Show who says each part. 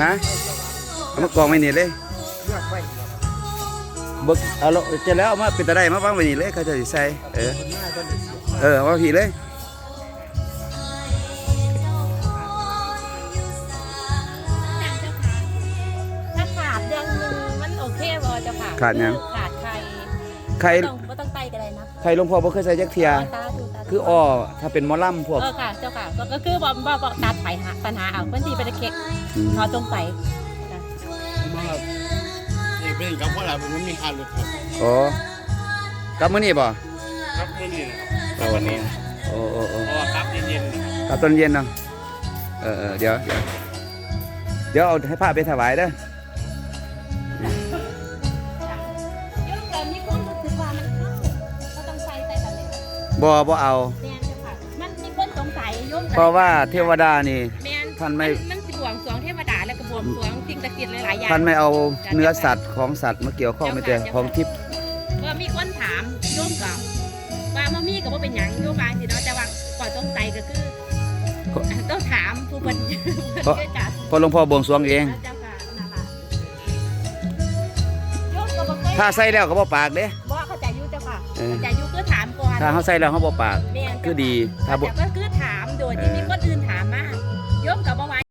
Speaker 1: ฮะเอามากองไว้นี่เลย
Speaker 2: เลือกไว้
Speaker 1: บึกเอาลงจะแล้วเอามาเป็นตะได้มาวางไว้นี่เลยเขาจะสิใส่
Speaker 2: คนหน้าก็เลยเสีย
Speaker 1: เอามาผีเลย
Speaker 3: ถ้าขาดเดือนนึงมันโอเคบ่เจ้าค่ะ
Speaker 1: ขาดหยัง
Speaker 3: ขาดไข่
Speaker 1: ใคร
Speaker 3: บ่ต้องไตก็ได้นะ
Speaker 1: ใครหลวงพ่อบ่เคยใส่จักเทีย
Speaker 3: ตาดูตาดู
Speaker 1: คืออ้อถ้าเป็นหมอลำพวก
Speaker 3: ค่ะเจ้าค่ะก็คือบ่ตัดปัญหาเอาเพิ่นสิไปเช็ค
Speaker 1: อืม
Speaker 3: เขาตรงไป
Speaker 2: มาครับนี่เป็นกับว่าอะไรมันมีค่าลึกครับ
Speaker 1: อ๋อ กลับมื้อนี้บ่
Speaker 2: ครับเรื่องนี้นะครับวันนี้
Speaker 1: โอ้
Speaker 2: เพราะว่าครับเย็นๆนะครับ
Speaker 1: กลับตอนเย็นเนาะเดี๋ยวเอาให้พระไปถวายเด้อ
Speaker 3: โยมก็มีคนรู้สึกว่ามันเข้าก็ต้องใส่ตลอด
Speaker 1: บ่เอา
Speaker 3: แม่นเจ้าค่ะมันมีคนสงสัยโยม
Speaker 1: เพราะว่าเทวดานี่
Speaker 3: แม่น
Speaker 1: ท่านไม่
Speaker 3: มันสิบวงสรวงเทวดาแล้วก็บวงสรวงสิ่งศักดิ์สิทธิ์หลายๆอย่าง
Speaker 1: ท่านไม่เอาเนื้อสัตว์ของสัตว์มาเกี่ยวข้องไม่แต่ของทิพย์
Speaker 3: ว่ามีคนถามโยมก็ว่าบ่มีก็บ่เป็นหยังโยมบางสิเนาะแต่ว่าก่อนสงสัยก็คือต้องถามผู้เพิ่นเพิ่นจัด
Speaker 1: เพราะหลวงพ่อบวงสรวงเอง
Speaker 3: เจ้าค่ะนั่นล่ะโยมก็บ่เคย
Speaker 1: ถ้าใส่แล้วก็บ่ปากเด้
Speaker 3: บ่เข้าใจอยู่เจ้าค่ะ
Speaker 1: เออ
Speaker 3: เข้าใจอยู่คือถามก่อน
Speaker 1: ถ้าเฮาใส่แล้วเฮาบ่ปาก
Speaker 3: แม่นเจ้าค่ะ
Speaker 1: คือดีถ้าบ่
Speaker 3: แต่ก็คือ